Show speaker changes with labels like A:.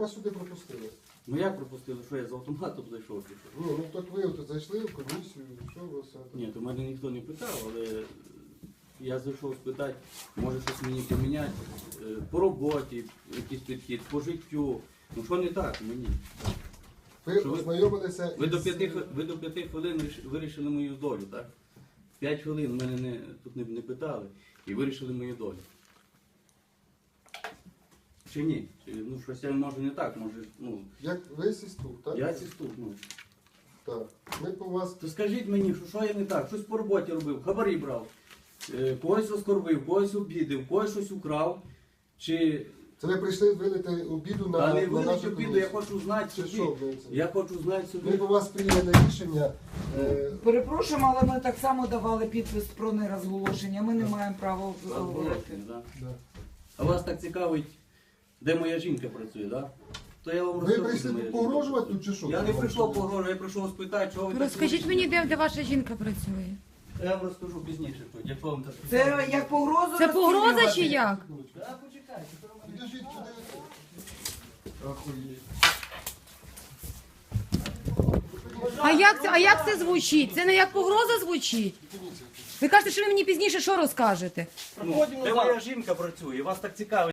A: вас сюди пропустили?
B: Ну як пропустили, що я з автоматом зайшов? чи що?
A: Ну так ви от зайшли в комісію, що ви все?
B: Ні, то мене ніхто не питав, але я зайшов спитати, може щось мені поміняти по роботі, якийсь підхід, по життю. Ну що не так мені?
A: Ви
B: Що ви-
A: ознайомилися
B: Ви до 5 хвилин вирішили мою долю, так? 5 хвилин мене тут не питали і вирішили мою долю. Чи ні? Ну щось я може не так, може, ну,
A: Як ви сістук, так?
B: я сіступ, ну.
A: Так. Ми по вас...
B: То скажіть мені, що я не так, щось по роботі робив, хабарі брав, когось оскорбив, когось обідив, когось щось украв, чи...
A: Це ви прийшли вилити обіду на,
B: Та не
A: на
B: вилить
A: нашу
B: обіду,
A: комісію?
B: я хочу знати
A: Чи
B: собі.
A: що ви це?
B: Я хочу знати
A: Ми
B: собі.
A: по вас прийняли рішення.
C: Перепрошуємо, але ми так само давали підпис про нерозголошення. Ми не маємо права говорити.
B: Да.
A: Да.
B: А вас так цікавить, де моя жінка працює, так? То я вам
A: Ви
B: розкажу,
A: прийшли
B: де моя
A: тут
B: жінка
A: погрожувати
B: працює.
A: тут чи що?
B: Я не прийшов погрожувати, я прийшов спитати, що ви так
D: Розкажіть
B: робите.
D: мені, де ваша жінка працює?
B: Я вам розкажу пізніше, якщо вам так
C: Це як погрозу
D: Це погроза
C: розцінювати?
D: чи як?
B: Так, почекайте, що ви мене-
A: Підождіть, куди ви? Охуєть.
D: А як це звучить? Це не як погроза звучить? Ви кажете, що ви мені пізніше що розкажете?
B: Ну, де моя жінка працює, вас так цікавить.